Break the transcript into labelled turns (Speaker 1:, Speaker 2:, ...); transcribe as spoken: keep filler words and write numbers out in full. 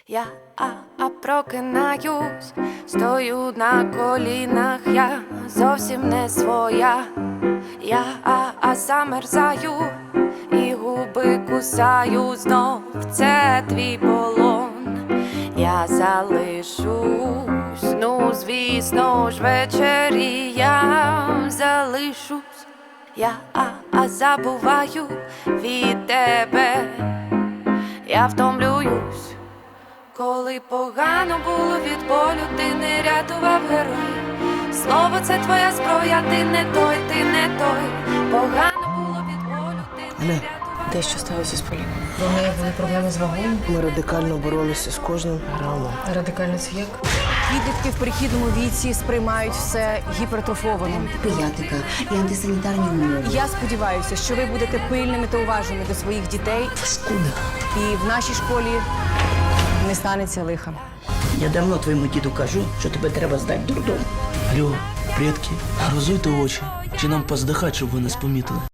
Speaker 1: Я а, а прокинаюсь, стою на колінах, я зовсім не своя. Я а, а замерзаю і губи кусаю знов, це твій полон. Я залишусь, ну звісно ж ввечері я залишусь. Я а, а забуваю від тебе, я втомлююсь. Коли погано було від болю, ти не рятував героїв. Слово це твоя зброя, ти не той, ти не той. Погано було від болю, ти не
Speaker 2: Аля,
Speaker 1: рятував.
Speaker 3: Те, що сталося з Поліною.
Speaker 4: У неї були проблеми з вагою.
Speaker 2: ми радикально боролися з кожним грамом.
Speaker 4: Радикально це як?
Speaker 3: Підлітки в перехідному віці сприймають все гіпертрофовано.
Speaker 5: Педіатрика і антисанітарні умови.
Speaker 3: Я сподіваюся, що ви будете пильними та уважними до своїх дітей.
Speaker 2: Скуда?
Speaker 3: І в нашій школі не станеться лиха.
Speaker 6: Я давно твоєму діду кажу, що тебе треба здати в дурдом.
Speaker 7: Алло, предки, розуйте очі. Чи нам поздихати, щоб ви нас помітили?